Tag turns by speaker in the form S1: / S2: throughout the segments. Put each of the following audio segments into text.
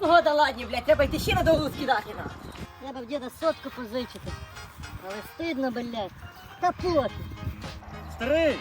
S1: погода ладні, блядь, треба йти ще на довгу скидати на. Треба в діда сотку позичити. Але стидно, блядь. Та пофіг.
S2: Старий,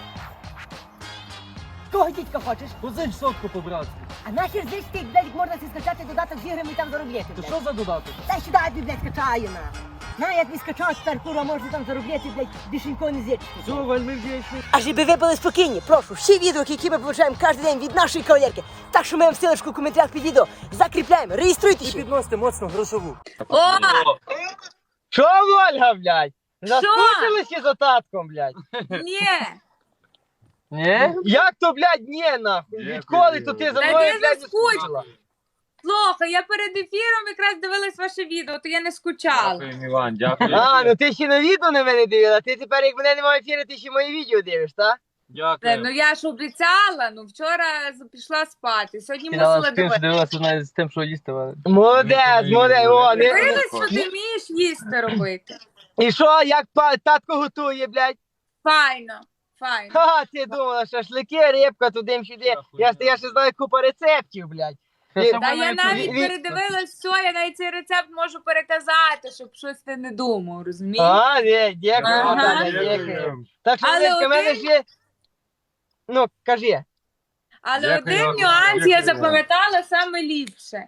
S1: Кого дідька хочеш?
S2: позич сотку по-братськи.
S1: А нахер здесь ти, блядь, можна си скачати додаток з іграми і там заробляти,
S2: То
S1: блядь.
S2: що за додаток?
S1: Дай сюди, я тобі, блядь, скачаю, на. На, я тобі скачав, тепер, курва, можна там заробляти, блядь, більшенько не зірчити.
S2: Все, вельми вдячний.
S1: А щоб ви були спокійні, прошу, всі відео, які ми получаємо кожен день від нашої кавалерки, так що ми вам ссылочку в коментарях під відео закріпляємо, реєструйтесь.
S2: І підносите моцно грошову.
S3: О,
S4: Що, Ольга, блядь? Заскучилися за татком, блядь?
S3: ні.
S4: Ні? Як то, блядь, ні, нахуй? Відколи то ти за
S3: Та
S4: мною,
S3: ти
S4: блядь, не
S3: заскучила.
S4: скучила?
S3: Плохо, я перед ефіром якраз дивилась ваше відео, то я не скучала.
S5: Дякую, Іван, дякую.
S4: А, ну ти ще на відео на мене дивила, ти тепер, як мене немає ефіру, ти ще мої відео дивиш, так?
S5: Дякую.
S3: Ну я ж обіцяла, ну вчора пішла спати, сьогодні мусила дивитися.
S2: дивилася з тим, що їсти.
S4: Молодець, молодець, о, не...
S3: Дивилась, що ти вмієш їсти робити.
S4: І що, як татко готує, блядь?
S3: Файно, файно.
S4: Ха, ти думала, шашлики, рибка, туди-сюди. Я ще знаю купа рецептів, блядь.
S3: Та я навіть передивилась все, я навіть цей рецепт можу переказати, щоб щось ти не думав, розумієш?
S4: А, ні, дякую,
S3: Ага.
S4: Наталя, дякую. Так що,
S3: Але
S4: Леська, в мене
S3: один-
S4: ще... Ну, кажи.
S3: Але
S5: Дякую,
S3: один
S5: Іван,
S3: нюанс я
S5: дякую.
S3: запам'ятала саме ліпше.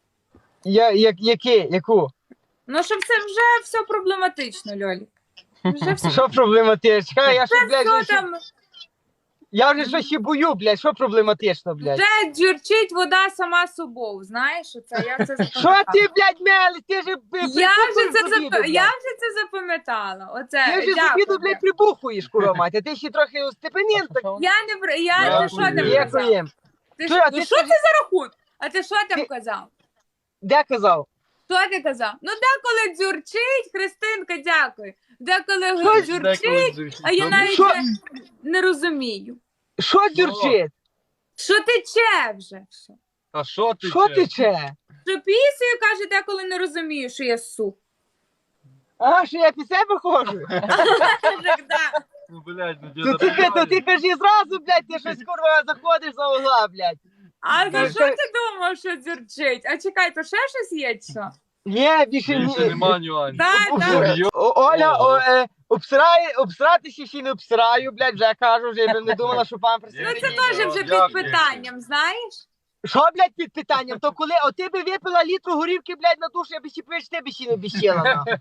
S4: Яку?
S3: Ну, що це вже все проблематично, Льолік. Вже все,
S4: Що проблематично? Я що, блядь,
S3: все
S4: вже ще-
S3: там,
S4: я вже щось ще бою, блядь, що проблематично, блядь?
S3: вже дзюрчить вода сама собою, знаєш, оце, я це
S4: Що
S3: запам'ятала.
S4: ти, блядь, мели? Ти ж
S3: Я вже це запам'ятала. Оце,
S4: Ти ж з
S3: дякую.
S4: обіду, блядь, прибухуєш, курва мать, а ти ще трохи остепенінта.
S3: Я не бр- я
S5: Дякую.
S3: ти що там казав?
S4: Дякуємо.
S3: Ти
S4: Що,
S3: що,
S4: а
S3: ну
S4: ти
S3: що
S4: скажи-
S3: це за рахунок? А ти що там
S4: Ти-
S3: казав?
S4: Де казав?
S3: Що ти казав? Ну деколи дзюрчить, Христинка, дякую. Деколи
S4: Що
S3: дзюрчить, а я навіть
S4: Що?
S3: не розумію.
S4: Що дюрчить?
S3: Що тече вже? Все?
S5: А що ти?
S4: Що тече?
S3: Що пісею, каже, деколи не розумію, що я су.
S4: А, що я під себе ходжу?
S3: Так, да.
S5: Ну, блядь, ну
S4: То ти кажи зразу, блядь, ти щось, курва, заходиш за угла, блядь.
S3: А за
S4: Так,
S3: що
S4: так.
S3: ти думав, що дзюрчить? А чекай, то ще щось є чи що?
S4: Ні, більше
S5: Більше
S4: ні.
S5: нема нюансів.
S3: Так, так.
S4: Оля, обсратися ще не обсираю, блядь, вже кажу, вже я б не думала, що пан
S3: Ну це теж вже
S5: Дякую.
S3: під питанням, знаєш?
S4: Що, блядь, під питанням? То коли, от ти би випила літру горівки, блядь, на душу, я би ще пиш, ти би ще не обіщила, нахуй.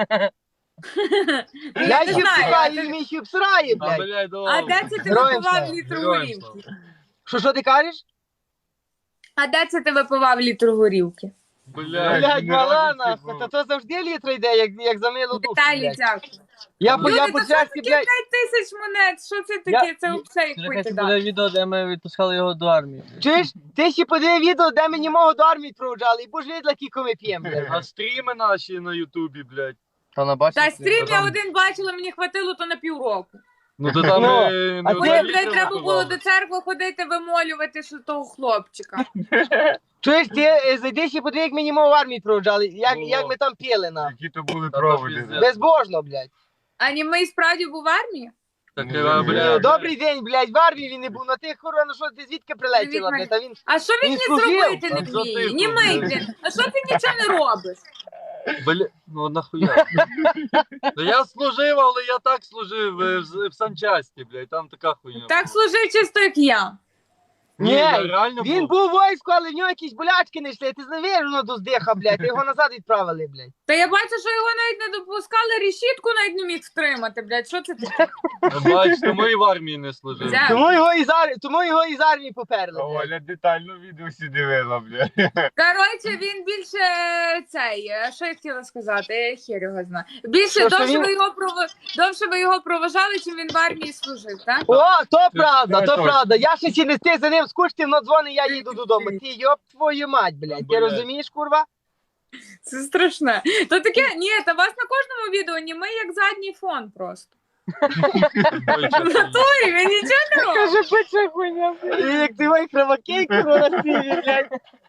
S4: Я
S3: не
S4: ще
S3: знаю,
S4: обсираю,
S3: а ти-
S4: він мені ще обсирає,
S5: А,
S4: блядь.
S5: блядь,
S3: А
S5: добре.
S3: де це ти
S4: Героям
S3: випивав
S4: слава.
S3: літру
S5: Героям
S3: горілки?
S4: Що ти кажеш?
S3: А де це ти випивав літру горілки?
S4: Блядь, мала, нахуй, та то завжди літра йде, як за милу душу,
S3: Віталій,
S4: блядь.
S3: дякую.
S4: Я
S3: Люди,
S4: по
S3: то що
S4: часті,
S3: таке
S4: блядь,
S3: 5 тисяч монет? Що це таке? Це взагалі хуйти дати.
S2: відео, де ми відпускали його до армії.
S4: чуєш, ти ще подиви відео, де мені мого до армії проводжали, і будеш виділа, кілько ми п'ємо, блядь.
S5: А стріми наші на Ютубі, блядь.
S2: Та на бачиш?
S3: Та стрім я один бачила, мені хватило то на півроку.
S5: Ну то там
S4: Ну,
S5: не
S4: а
S5: один
S4: ти-
S3: Потім,
S5: літр
S3: блядь, треба було
S5: випивали.
S3: до церкви ходити, вимолювати, що того хлопчика.
S4: Чуєш, ти зайди ще подиви, як мені мого в армії проводжали,
S5: О.
S4: як ми там п'яли, на.
S5: Які то були проводи.
S4: Безбожно, блядь.
S3: А німий справді був в армії?
S5: Так,
S4: Ну,
S5: блядь.
S4: добрий день, блядь, в армії він не був, на тих курва, ну що ти звідки прилетіла, блядь, а він...
S3: А що він
S4: Він
S3: не
S4: служив.
S3: зробити не
S5: А що
S3: вміє?
S5: ти
S3: Німий,
S5: служив?
S3: блін. А що ти нічого не робиш?
S5: Бля, ну нахуя? Та я служив, але я так служив в санчасті, блядь, там така хуйня.
S3: Так служив чисто, як я.
S4: Ні,
S5: я реально
S4: він був у війську, але в нього якісь болячки не йшли, ти знаєш, воно до здиха, блядь, його назад відправили, блядь.
S3: Та я бачу, що його навіть не допускали, решітку навіть не міг втримати, блядь. Що це таке?
S5: Бачите, ми і в армії не служили.
S3: Дякую.
S4: Тому його із армії поперли, блядь.
S6: Оля детально відео всі дивила, бля.
S3: Коротше, він більше цей, що я хотіла сказати, я хер його знаю. Більше
S4: Що
S3: довше
S4: він-
S3: ви його проважали, чим він в армії служив, так?
S4: О, то правда,
S6: Це
S4: то
S6: точно.
S4: правда. Я ще ці не встиг за ним скучити, но дзвони, я їду додому. Ти йоп твою мать, блядь. Ти
S5: Блядь.
S4: розумієш, курва?
S3: Це страшне. То таке, ні, та вас на кожному відео німий як задній фон просто. В натурі, він нічого не робить.
S4: Каже, бича хуйня, блядь. І як ти мой кровокей, курва, на стилі, блядь.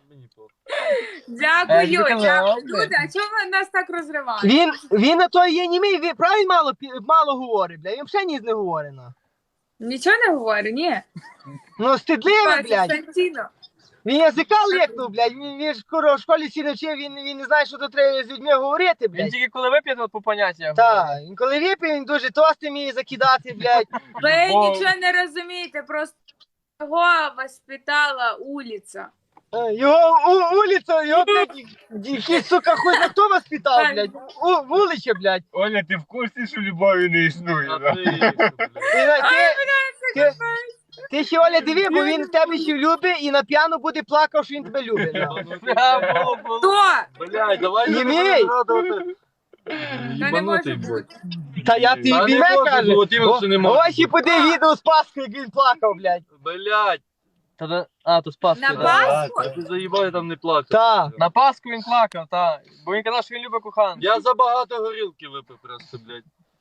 S3: Дякую,
S2: Дякую.
S3: дякую. Люди, а чому ви нас так розриваєте?
S4: Він на то є німий, він правильно мало говорить, блядь. Він взагалі ніс не говорить, ну.
S3: Нічого не говорю, ні.
S4: Ну, стидливе, блядь.
S3: Константіно.
S4: Він язика лекнув, блядь. Він ж куро в школі всі навчив, він не знає, що тут треба з людьми говорити,
S2: Він
S4: блядь.
S2: тільки коли вип'є, то по поняттях.
S4: Так, він коли випив, він дуже тости вміє закидати, блядь.
S3: Ви
S2: Бо-
S3: нічого не розумієте, просто його воспитала улиця.
S4: Його улиця, його, блядь, якийсь, сука, хуй на хто воспитав, блядь. Вуличе, блядь.
S6: Оля, ти в курсі, що любові не існує?
S5: А
S6: да?
S4: Ти ще, Оля, диви, бо він в тебе ще любить і на п'яну буде плакав, що він тебе любить. нахуй.
S2: Було.
S3: Хто?
S5: Блядь, давай
S4: Не
S5: не
S4: мій.
S5: згадувати.
S3: Та не може бути.
S4: Та я ти
S5: Та не
S4: мене
S5: може
S4: каже.
S5: бути, іменно, що не може
S4: Ось і поди відео з Паскою, як він плакав, блядь.
S5: Блядь,
S2: То з Пасхи,
S3: На
S2: да.
S3: Пасху?
S5: ти заїбав, я там не плакав.
S4: Так.
S2: На Пасху він плакав, так. Бо він казав, що він любить коханку.
S5: Я забагато горілки випив просто, блядь.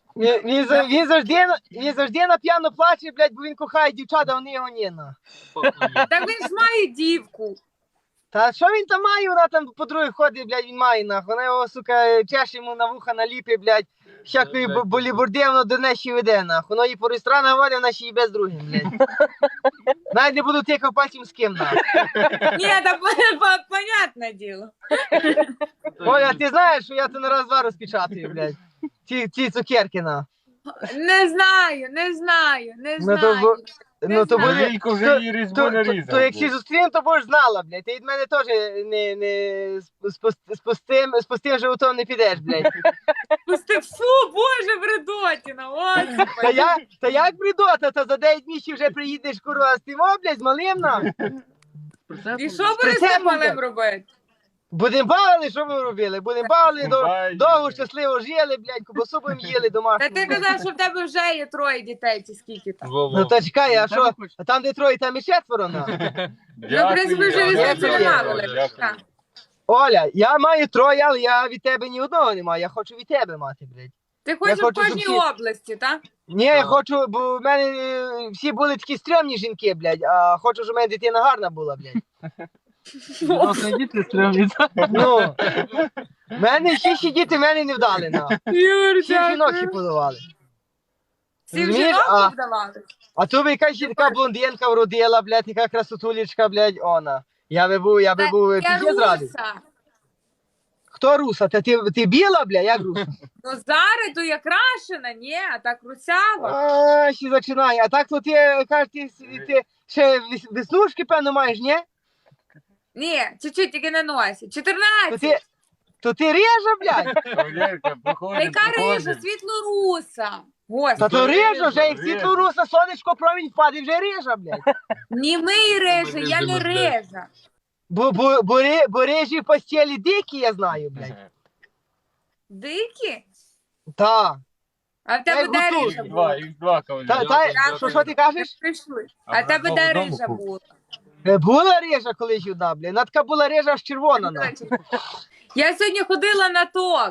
S4: Він завжди на п'яно плаче, блядь, бо він кохає дівчат, а вони його ні, на.
S3: Так він ж має дівку.
S4: Та що він там має, вона там по другій ходить, блядь, він має, нахуй. Вона його, сука, чеше йому на вуха наліпить, блядь, всякої
S5: Блядь.
S4: болібурди, воно до неї ще веде, нахуй. Воно її по ресторанах водить, вона ще й без другим, блядь. Навіть не буду тикав пальцем з ким, нахуй.
S3: Ні, та понятне діло.
S4: Оля, ти знаєш, що я то на раз-два розпечатую, блядь. Ці цукерки, на.
S3: Не знаю, не знаю, не
S4: Ну, то,
S3: знаю.
S4: ну, то
S3: знаю.
S4: буде...
S6: Лілько вже її різьбу нарізав.
S4: То якщо зустрінемо, то будеш знала, блядь. Ти від мене теж не з пустим животом не підеш, блядь.
S3: Пусти, фу, боже, бредотіна, господи.
S4: Та як бредота, та за 9 місяців вже приїдеш, курва, з тим, блядь, з малим, на.
S3: І що будеш з цим малим робити?
S4: Будем бавили, що ми робили? Будем бавили,
S6: Бай.
S4: довго щасливо жили, блядь, кубасу будем їли домашню.
S3: Та ти казав, що в тебе вже є 3 дітей, чи скільки там.
S4: Ну то чекай, а що? А там, де троє, там і 4, на.
S3: Ну, в принципі, вже різниці немає великої. Так.
S4: Оля, я маю 3, але я від тебе ні одного не маю, я хочу від тебе мати, блядь.
S3: Ти хочеш в
S4: хочу, щоб
S3: кожній
S4: всі-
S3: області, так?
S4: Ні, я хочу, бо в мене всі були такі стрьомні жінки, блядь, а хочу, щоб в мене дитина гарна була, блядь.
S2: Дорослі діти стрімні.
S4: Ну, в мене всі діти в мене не вдали, на. Всі жінок ще подавали.
S3: Всіх
S4: Розумієш?
S3: жінок вдавали?
S4: А то би якась ще така блондинка вродила, блядь, така красотулечка, блядь, она. Я би був
S3: Я
S4: піздець радий.
S3: руса.
S4: Хто руса? Та ти біла, блядь, як руса?
S3: Ну зараз то я крашена, ні, а так русява.
S4: А, ще починає. А так то ти, кажеш, ти ще веснушки, певно, маєш, ні?
S3: Ні, чуть-чуть тільки на носі.
S4: То
S3: 14.
S4: ти, то ти режа, блядь?
S6: Валерка,
S3: Та
S6: проходить,
S3: яка рижа, світлоруса.
S4: Та
S3: Господи.
S4: то режа вже, як
S6: Режа.
S4: світло руса, сонечко промінь впаде, вже режа, блядь.
S3: Ні ми рижа, я не
S5: рижемо, блядь.
S3: рижа.
S4: Бо режі в постелі дикі, я знаю, блядь.
S3: Дикі?
S4: Та.
S3: А в тебе
S4: Ей,
S3: де
S4: готуй.
S3: рижа була?
S6: X2, кавалер.
S4: Що ти кажеш?
S3: Прийшли.
S6: А
S3: А в тебе
S6: в
S3: де
S6: одному
S3: рижа
S6: купі.
S3: була?
S4: Була режа колись одна, блядь. Вона така була режа аж червона, на.
S3: Я сьогодні ходила на ток.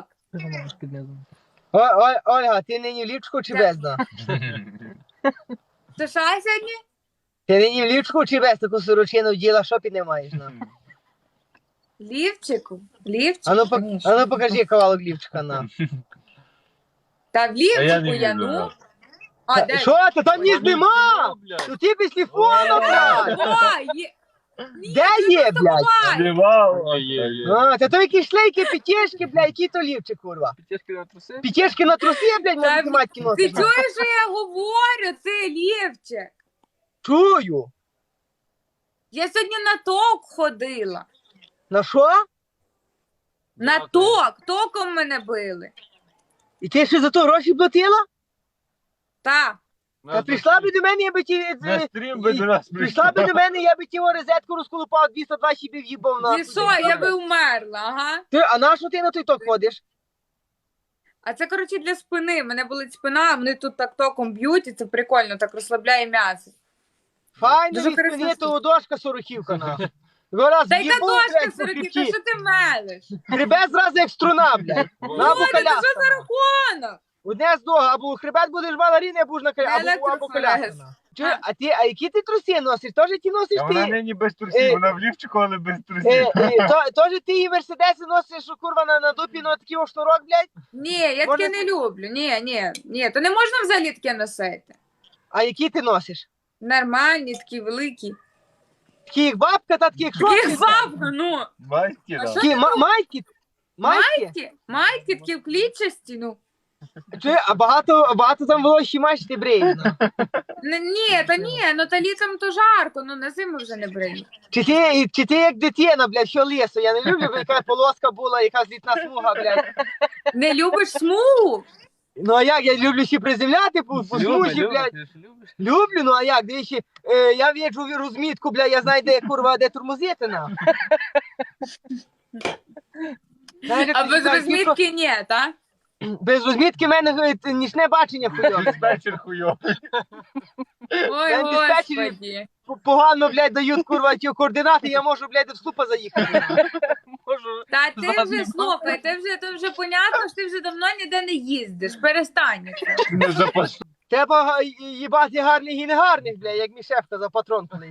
S4: Ольга, ти нині в лівчику чи без, на?
S3: Це що сьогодні?
S4: Ти нині в лівчику чи без таку сорочину вділа, що піднімаєш, на?
S3: Лівчику? Лівчику?
S4: Ану покажи кавалок лівчика, на.
S3: Та в
S6: А я
S3: лівчику
S6: не
S3: я,
S6: відео,
S3: ну.
S6: да.
S3: А, де?
S4: Що, та там ніс нема? То ти без телефону, блядь.
S3: О, є.
S4: Де є, блядь?
S3: Ай,
S6: Зливав.
S4: А, та то якісь шлейки, пітєшки, блядь, які то лівчик, курва.
S2: Пітєшки на труси.
S4: Пітєшки на труси, блядь,
S3: Та
S4: можна матки
S3: ти
S4: носиш. на.
S3: чуєш, що я говорю? Це лівчик.
S4: Чую.
S3: Я сьогодні на ток ходила.
S4: На що?
S3: На ток. Током мене били.
S4: І ти ще за то гроші платила?
S3: Так.
S4: Та прийшла би до мене, я би ті...
S6: На стрім би до нас
S4: Прийшла би до мене, я би ті розетку розколупав, 220 би в'їбав на.
S3: І що, я би вмерла, ага.
S4: А на що ти на той ток ходиш?
S3: А це, коротше, для спини. Мене болить спина, вони тут так током б'ють, і це прикольно, так розслабляє м'ясо.
S4: Файно
S3: Дуже
S4: від спини,
S3: корисно.
S4: то дошка сороківка, нахуй. Раз
S3: Та яка
S4: в'їбав,
S3: дошка
S4: блядь, по
S3: сороківка,
S4: хребті.
S3: що ти мелиш?
S4: Хребет зразу як струна, блядь. На або
S3: Оля, це
S4: коляска.
S3: що за рахунок?
S4: Одне з нога, або хребет будеш балеріни, або ж на коляска, або
S3: Електрофорез.
S4: коляска. Чуєш, а які ти труси носиш? Теж ті носиш
S6: А вона
S4: ти?
S6: нині без трусів, вона в лівчику, але без трусів.
S4: Теж ти і мерседеси носиш, що курва на дупі, ну такий о шнурок, блядь?
S3: Ні, я таке не люблю. Ні, то не можна взагалі таке носити.
S4: А які ти носиш?
S3: Нормальні, такі великі.
S4: Такі як бабка, та такі як
S3: Таких
S4: шорти.
S3: бабка, ну.
S6: Майки,
S3: А
S6: да.
S3: що?
S4: Такі майки. Майки?
S3: Майки такі в клітчасті, ну.
S4: Чи, а багато там було ще майки бреї.
S3: Ні, ну та літом то жарко, ну на зиму вже не бриють.
S4: Чи ти як дитина, блядь, що лісу? Я не люблю, бо яка полоска була, якась літна смуга, блядь.
S3: Не любиш смугу?
S4: Ну а як, я люблю ще приземляти по смузі, блядь.
S2: Ти ж любиш?
S4: Люблю, ну а як, дивіться, я в'їжджу в розмітку, блядь, я знаю, де, курва, де тормозити, на. Знаєш, як
S3: А
S4: ти
S3: без
S4: знаєш,
S3: розмітки ні, та?
S4: без розмітки в мене нічне бачення хуйове.
S6: Диспетчер хуйовий.
S3: Ой,
S4: Я диспетчері-
S3: господі.
S4: Погано, блядь, дають, курва, ті координати, я можу, блядь, в слупа заїхати.
S2: Можу.
S3: Та ти
S2: Заднім
S3: вже, слухай, то вже понятно, що ти вже давно ніде не їздиш, перестань.
S6: Не запас.
S4: Треба їбати гарних і негарних, блядь, як мій шеф казав, патрон колись.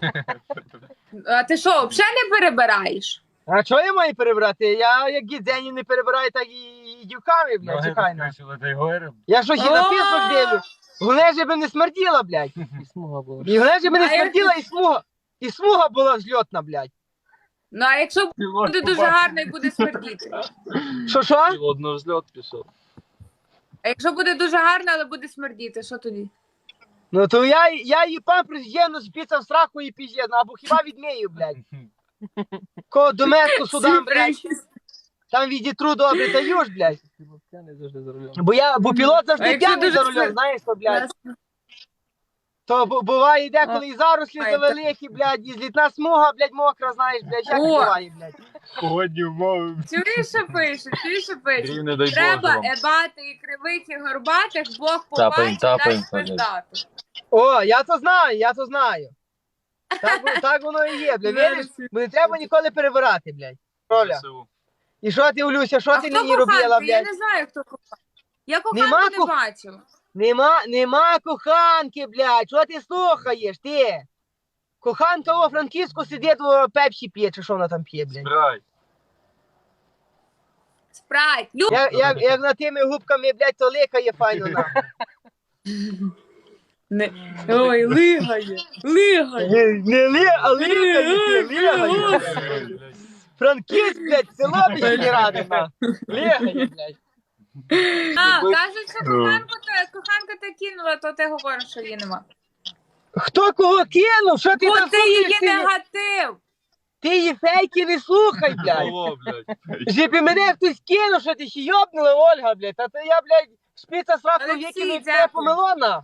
S3: А ти що, взагалі не перебираєш?
S4: А чого я маю перебрати? Я як гідзенів не перебираю, так і дівками, блядь, чекай на. Я що ще на пісок дивлю? Головне, щоб не смерділа, блядь.
S2: І смуга була.
S4: І головне, щоб не
S3: А як-
S4: смерділа, і смуга була взльотна, блядь.
S3: Ну а якщо буде дуже гарно і буде смердіти?
S4: Що?
S5: Одно взльот пішов.
S3: А якщо буде дуже гарно, але буде смердіти, що тоді?
S4: Ну то я її памперс євно спіцав сраку і піздець, ну або хіба відмію, блядь. Ко доместу судам, блядь, там відітру добре даєш, блядь.
S2: П'яний завжди за рулем.
S4: Бо пілот
S3: А
S4: завжди
S3: якщо
S4: п'яний
S3: дуже
S4: за рулем,
S3: смер-
S4: знаєш що, блядь. То буває деколи і зарослі
S3: Ай,
S4: завеликі, блядь, і злітна смуга, блядь, мокра, знаєш, блядь, як
S3: О!
S4: буває, блядь.
S6: Погодні умови.
S3: Чуєш, що пише?
S5: Рівне дай Боже
S3: Треба
S5: вам.
S3: ебати і кривих, і горбатих, Бог
S5: Тапаємо,
S3: побачить,
S5: тапаємо,
S3: дай пиздати.
S4: О, я то знаю. Так воно і є, блядь, віриш? Бо не треба ніколи перебирати, блядь. Роля.
S5: ЗСУ.
S4: І що ти, Олюся, що
S3: А
S4: ти
S3: хто
S4: нині робила,
S3: коханка? Я
S4: блядь?
S3: не знаю, хто коханка. Я
S4: Нема
S3: коханку не бачила.
S4: Нема коханки, блядь, що ти слухаєш, ти? Коханка у Франківську сидить, у пепсі п'є, чи що вона там п'є, блядь?
S5: Збирай.
S3: Спрайт.
S4: Як на тими губками, блядь, то ликає файно на.
S3: Ой, лигає.
S4: Не ли, а ликає. Франківськ, блядь, село мені ради, на. Ликає, блядь.
S3: А, кажуть, що коханка те кинула, то ти говориш, що її нема.
S4: Хто кого кинув? Що ти
S3: Бо
S4: там
S3: ти
S4: слухаєш?
S3: її негатив.
S4: Ти її фейки не слухай, блядь.
S5: Алло, блядь.
S4: Щоб і мене хтось кинув, що ти ще йобнула, Ольга, блядь. Та то я, блядь, шпица сраку
S3: Олексій,
S4: викинув, це
S3: дякую.
S4: помило, на.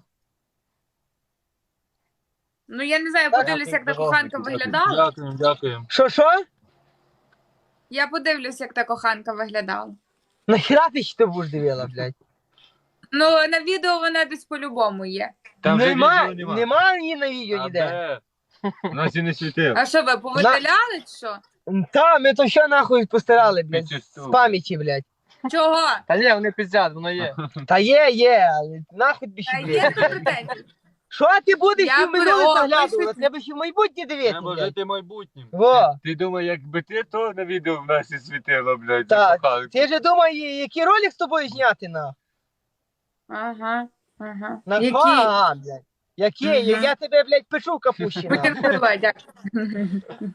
S3: Ну я не знаю, подивлюсь, як та коханка виглядала.
S5: Дякуємо.
S4: Що?
S3: Я подивлюсь, як та коханка виглядала.
S4: Нахіра ти ще будеш дивила, блядь?
S3: Ну, на відео вона десь по-любому є.
S6: Там вже
S4: Нема
S6: відео нема.
S4: нема її на відео
S5: А
S4: ніде.
S5: де?
S6: Нас і не світив.
S3: А що ви повидаляли чи що?
S4: Та, ми то що нахуй постирали, блядь,
S6: Підчисту.
S4: з пам'яті, блядь.
S3: Чого?
S2: Та ні, вони пиздять, воно є.
S4: Та є, але нахуй тобі ще,
S3: Та є
S4: блядь.
S3: претензії.
S4: Що ти будеш
S3: Я
S4: ще в минуле
S3: о,
S4: заглядувати?
S3: пишуть.
S4: Треба ще в майбутнє дивитися,
S5: Треба
S4: блядь.
S5: жити майбутнім.
S4: Во.
S6: Ти думаєш, якби ти то на відео в нас і світило, блядь,
S4: Так.
S6: закохали.
S4: Ти же думай, який ролик з тобою зняти, на?
S3: Ага.
S4: На
S3: Які?
S4: що? Ага, блядь. Який?
S3: Мгм.
S4: Я тебе, блядь, печу в капущі, на.
S3: Будемо дякую.